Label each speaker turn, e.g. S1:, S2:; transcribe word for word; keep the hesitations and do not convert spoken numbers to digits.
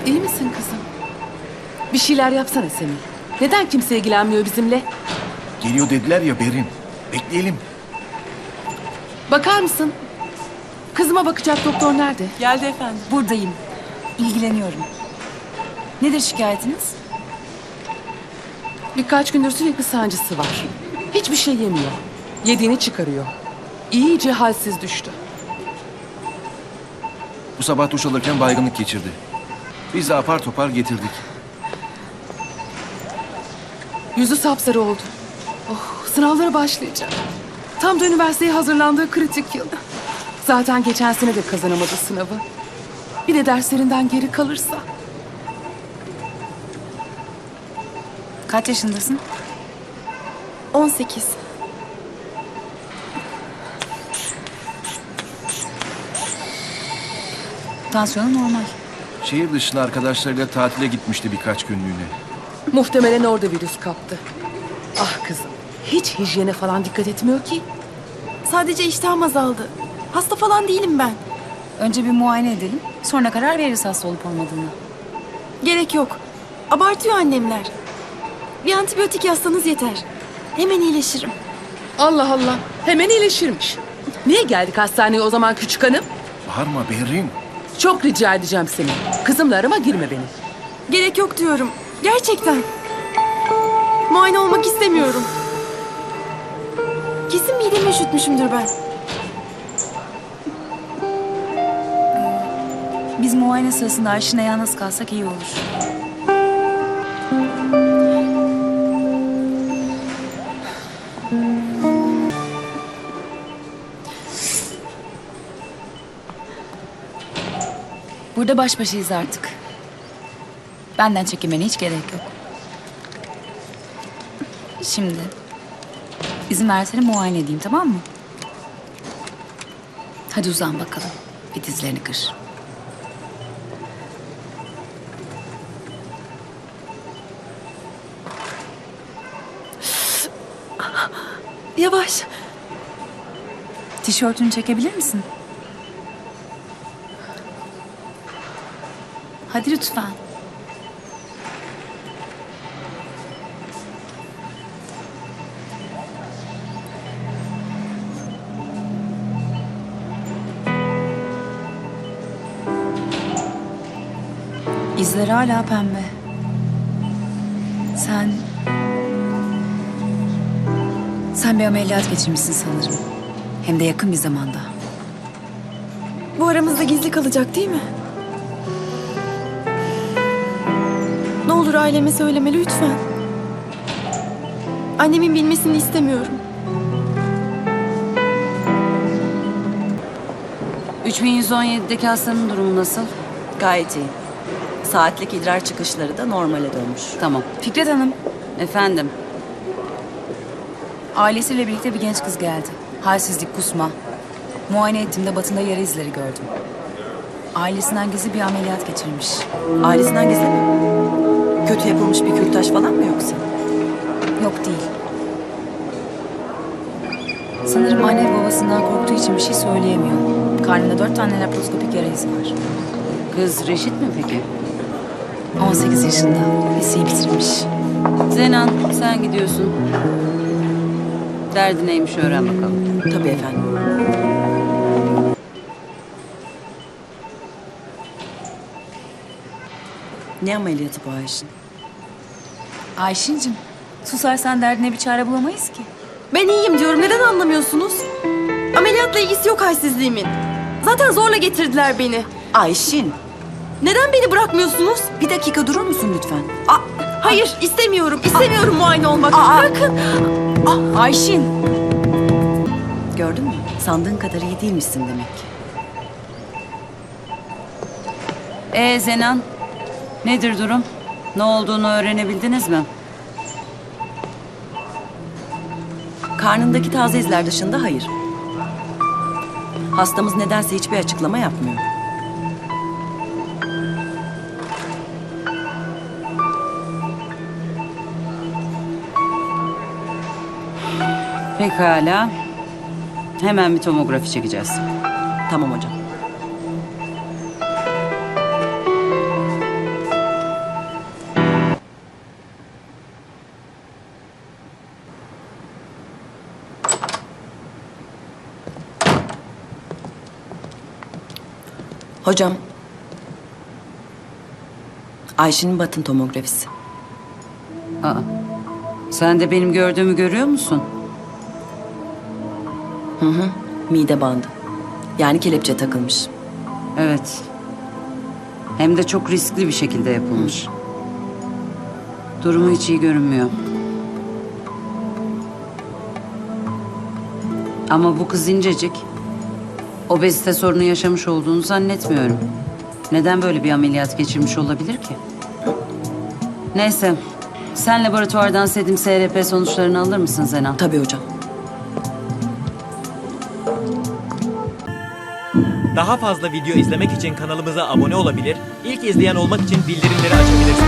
S1: İyi misin kızım? Bir şeyler yapsana Semih. Neden kimse ilgilenmiyor bizimle?
S2: Geliyor dediler ya Berin. Bekleyelim.
S1: Bakar mısın? Kızıma bakacak doktor nerede?
S3: Geldi efendim.
S4: Buradayım. İlgileniyorum. Nedir şikayetiniz?
S1: Birkaç gündür sürekli sancısı var. Hiçbir şey yemiyor. Yediğini çıkarıyor. İyice halsiz düştü.
S2: Bu sabah duş alırken baygınlık geçirdi. Biz de apar topar getirdik.
S1: Yüzü sapsarı oldu. Oh, sınavlara başlayacak. Tam da üniversiteye hazırlandığı kritik yıl. Zaten geçen sene de kazanamadı sınavı. Bir de derslerinden geri kalırsa.
S4: Kaç yaşındasın?
S1: on sekiz.
S4: Tansiyonu normal.
S2: Şehir dışına arkadaşlarıyla tatile gitmişti birkaç günlüğüne.
S1: Muhtemelen orada virüs kaptı. Ah kızım, hiç hijyene falan dikkat etmiyor ki.
S5: Sadece iştahım azaldı. Hasta falan değilim ben.
S4: Önce bir muayene edelim. Sonra karar veririz hasta olup olmadığını.
S5: Gerek yok. Abartıyor annemler. Bir antibiyotik yazsanız yeter. Hemen iyileşirim.
S1: Allah Allah, hemen iyileşirmiş. Niye geldik hastaneye o zaman küçük hanım?
S2: Bağırma Berin.
S1: Çok rica edeceğim seni. Kızımla arama girme beni.
S5: Gerek yok diyorum. Gerçekten. Muayene olmak istemiyorum. Kesin midemi üşütmüşümdür ben.
S4: Biz muayene sırasında Ayşin'e yalnız kalsak iyi olur. Burada baş başayız artık. Benden çekinmene hiç gerek yok. Şimdi izin versene muayene edeyim, tamam mı? Hadi uzan bakalım. Bir dizlerini kır.
S5: Yavaş.
S4: Tişörtünü çekebilir misin? Hadi lütfen. İzler hala pembe. Sen... Sen bir ameliyat geçirmişsin sanırım. Hem de yakın bir zamanda.
S5: Bu aramızda gizli kalacak değil mi? Ne olur aileme söyleme lütfen. Annemin bilmesini istemiyorum.
S6: üç bin yüz on yedideki hastanın durumu nasıl?
S7: Gayet iyi. Saatlik idrar çıkışları da normale dönmüş.
S6: Tamam.
S4: Fikret Hanım,
S6: Efendim?
S4: ailesiyle birlikte bir genç kız geldi. Halsizlik, kusma. Muayene ettiğimde batında yara izleri gördüm. Ailesinden gizli bir ameliyat geçirmiş.
S7: Ailesinden gizli mi? Kötü yapılmış bir kürtaj falan mı yoksa?
S4: Yok değil. Sanırım anne babasından korktuğu için bir şey söyleyemiyor. Karnında dört tane laparoskopik yara izi var.
S6: Kız reşit mi peki?
S4: on sekiz yaşında. Liseyi bitirmiş.
S6: Zenan sen gidiyorsun. Derdi neymiş öğren bakalım.
S7: Tabii efendim. Ne ameliyatı bu Ayşin?
S4: Ayşin'cim, susarsan derdine bir çare bulamayız ki.
S5: Ben iyiyim diyorum. Neden anlamıyorsunuz? Ameliyatla ilgisi yok halsizliğimin. Zaten zorla getirdiler beni.
S7: Ayşin,
S5: Neden beni bırakmıyorsunuz?
S7: bir dakika durur musun lütfen?
S5: Aa, hayır istemiyorum. İstemiyorum muayene olmak.
S7: Aa.
S5: Bırakın.
S4: Ayşin!
S7: Gördün mü? Sandığın kadar iyi değilmişsin demek ki.
S6: Ee Zenan? Nedir durum? Ne olduğunu öğrenebildiniz mi?
S7: Karnındaki taze izler dışında hayır. Hastamız nedense hiçbir açıklama yapmıyor.
S6: Pekala. Hemen bir tomografi çekeceğiz.
S7: Tamam hocam. Hocam. Ayşe'nin batın tomografisi.
S6: Aa, sen de benim gördüğümü görüyor musun?
S7: Mide bandı. Yani kelepçe takılmış.
S6: Evet. Hem de çok riskli bir şekilde yapılmış. Durumu hiç iyi görünmüyor. Ama bu kız incecik. Obezite sorunu yaşamış olduğunu zannetmiyorum. Neden böyle bir ameliyat geçirmiş olabilir ki? Neyse. Sen laboratuvardan Sedim S R P sonuçlarını alır mısın Zenan?
S7: Tabii hocam.
S3: Daha fazla video izlemek için kanalımıza abone olabilir, ilk izleyen olmak için bildirimleri açabilirsiniz.